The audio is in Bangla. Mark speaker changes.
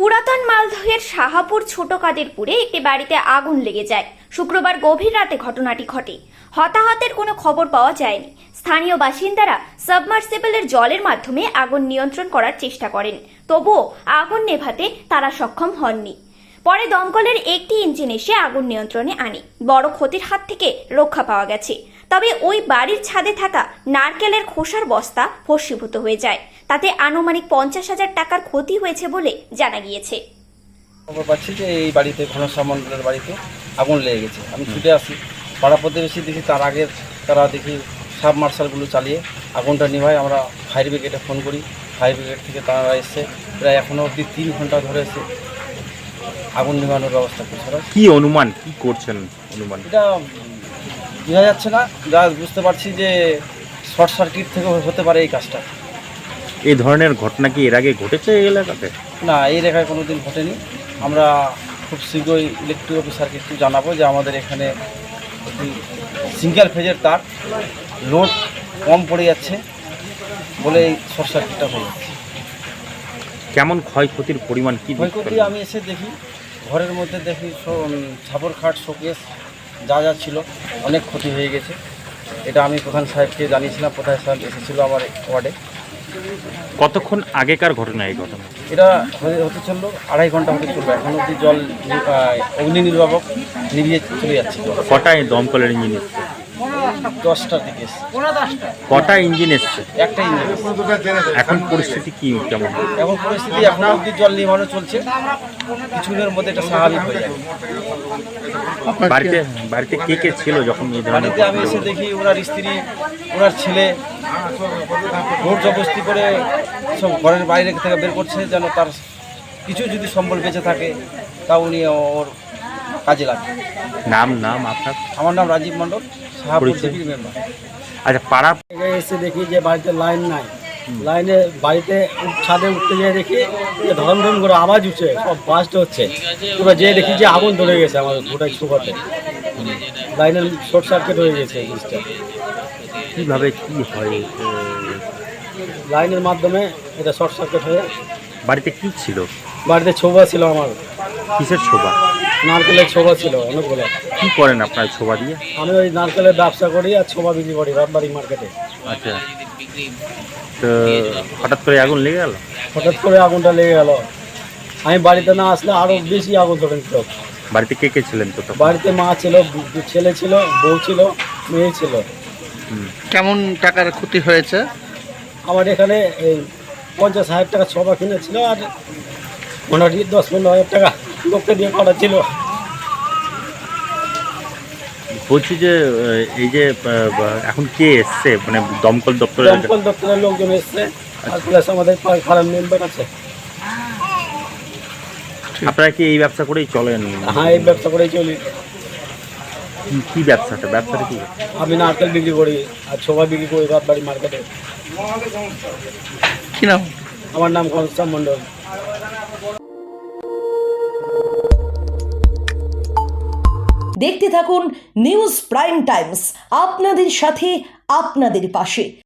Speaker 1: পুরাতন মালদহের শাহাপুর ছোট কাদেরপুরে একটি বাড়িতে আগুন লেগে যায়। শুক্রবার গভীর রাতে ঘটনাটি ঘটে। হতাহতের কোনো খবর পাওয়া যায়নি। স্থানীয় বাসিন্দারা সাবমার্সিবলের জলের মাধ্যমে আগুন নিয়ন্ত্রণ করার চেষ্টা করেন, তবুও আগুন নেভাতে তারা সক্ষম হননি। পরে দমকলের একটি ইঞ্জিন এসে আগুন নিয়ন্ত্রণে আনে। বড় ক্ষতির হাত থেকে রক্ষা পাওয়া গেছে। তবে ওই বাড়ির ছাদে থাকা নারকেলের খোসার বস্তা ভস্মীভূত হয়ে যায়। তাতে আনুমানিক 50,000 টাকার ক্ষতি হয়েছে বলে জানা গিয়েছে।
Speaker 2: খবর পাচ্ছি যে এই বাড়িতে ঘনশ্যাম মণ্ডলের বাড়িতে আগুন লেগে গেছে। আমি ছুটে আসি, পাড়া প্রতিবেশী দেখি তার আগে তারা দেখি সাবমার্শালগুলো চালিয়ে আগুনটা নিভায়। আমরা ফায়ার ব্রিগেডে ফোন করি, ফায়ার ব্রিগেড থেকে তারা এসছে, প্রায় এখনও অবধি 3 ঘন্টা ধরে এসে আগুন নিভানোর ব্যবস্থা করছে।
Speaker 3: কি অনুমান, কি করছেন অনুমান?
Speaker 2: এটা বোঝা যাচ্ছে না, যা বুঝতে পারছি যে শর্ট সার্কিট থেকে হতে পারে এই কাজটা।
Speaker 3: এই ধরনের ঘটনা কি এর আগে ঘটেছে এই এলাকাতে?
Speaker 2: না, এই রেখায় কোনো দিন ঘটেনি। আমরা খুব শীঘ্রই ইলেকট্রিক অফিসারকে একটু জানাবো যে আমাদের এখানে একটি সিঙ্গেল ফেজের তার লোড কম পড়ে যাচ্ছে বলে এই শর্ট সার্কিটটা হয়ে যাচ্ছে।
Speaker 3: কেমন ক্ষয়ক্ষতির পরিমাণ কি?
Speaker 2: ক্ষয়ক্ষতি আমি এসে দেখি, ঘরের মধ্যে দেখি ছাপর খাট, শোকেস যা যা ছিল অনেক ক্ষতি হয়ে গেছে। এটা আমি প্রধান সাহেবকে জানিয়েছিলাম, প্রধান সাহেব এসেছিলো আমার ওয়ার্ডে।
Speaker 3: কতক্ষণ আগেকার ঘটনা এই ঘটনা?
Speaker 2: এটা হতে চললো 2.5 ঘন্টা হতে চলবে। এখন অবধি জল অগ্নি নির্বাপক নিভিয়ে চলে যাচ্ছে।
Speaker 3: কটায় দমকলের ইঞ্জিন এসছে?
Speaker 2: 10টার দিকে এসছে।
Speaker 3: কটা ইঞ্জিন এসছে?
Speaker 2: একটা ইঞ্জিন।
Speaker 3: এখন পরিস্থিতি কি কেমন?
Speaker 2: এখন পরিস্থিতি এখন অবধি জল নিভানো চলছে, কিছুদিনের মধ্যে এটা স্বাভাবিক হয়ে যাবে।
Speaker 3: বাড়িতে কে কে ছিল যখন এই ধরনের?
Speaker 2: বাড়িতে আমি এসে দেখি ওনার স্ত্রী, ওনার ছেলে জোর জবরদস্তি করে সব ঘরের বাইরে থেকে বের করছে, যেন তার কিছু যদি সম্বল বেঁচে থাকে তা উনি ওর কাজে লাগে।
Speaker 3: নাম আপনার?
Speaker 2: আমার নাম রাজীব মণ্ডল, শাহাপুর ডিভির মেম্বার।
Speaker 3: আচ্ছা, পাড়া
Speaker 4: এসে দেখি যে বাড়িতে লাইন নাই, লাইনে বাড়িতে ছাদে উঠতে যেয়ে দেখি যে ধরম ধরম করে আওয়াজ উঠছে, সব বাস্ট হচ্ছে। পুরো যেয়ে দেখি যে আগুন ধরে গেছে আমাদের গোটাই সুপাতে, লাইনের শর্ট সার্কিট হয়ে গেছে জিনিসটা।
Speaker 3: কিভাবে কি হয়?
Speaker 4: লাইনের মাধ্যমে এটা শর্ট সার্কিট হয়ে।
Speaker 3: বাড়িতে কি ছিল?
Speaker 4: বাড়িতে ছোবা ছিল আমার,
Speaker 3: কিসের ছোবা?
Speaker 4: নারকেলের ছোবা ছিল অনেকগুলো।
Speaker 3: কি করেন আপনার ছোবা দিয়ে?
Speaker 4: আমি ওই নারকেলের ব্যবসা করি আর ছোবা বিক্রি করি রামবাড়ি মার্কেটে।
Speaker 3: আচ্ছা, তো হঠাৎ করে আগুন লেগে গেল?
Speaker 4: হঠাৎ করে আগুনটা লেগে গেল। আমি বাড়িতে না আসলে আরও বেশি আগুন ধরে নিত।
Speaker 3: বাড়িতে কে কে ছিলেন? তো
Speaker 4: বাড়িতে মা ছিল, ছেলে ছিল, বউ ছিল, মেয়ে ছিল।
Speaker 5: কেমন টাকার ক্ষতি হয়েছে?
Speaker 4: আমার এখানে এই 50,000 টাকা ছোবা কিনেছিল আর মোটামুটি 10-15,000 টাকা লোককে দিয়ে করা ছিল।
Speaker 3: বলছি যে এই যে এখন কে এসছে, মানে দমকল দপ্তরের?
Speaker 4: দমকল দপ্তরের লোকজন এসছে আর প্লাস আমাদের ফার্ম মেম্বার আছে।
Speaker 3: আপনারা কি এই ব্যবসা করেই চলেন?
Speaker 4: হ্যাঁ, এই ব্যবসা করেই চলি।
Speaker 3: কি ব্যবসাটা কি?
Speaker 4: আমি নারকেল বিক্রি করি আর ছোবা বিক্রি করি রাতবাড়ি মার্কেটে।
Speaker 5: কি নাম?
Speaker 4: আমার নাম ঘনশ্যাম মণ্ডল।
Speaker 6: দেখতে থাকুন নিউজ প্রাইম টাইমস, আপনাদের সাথে আপনাদের পাশে।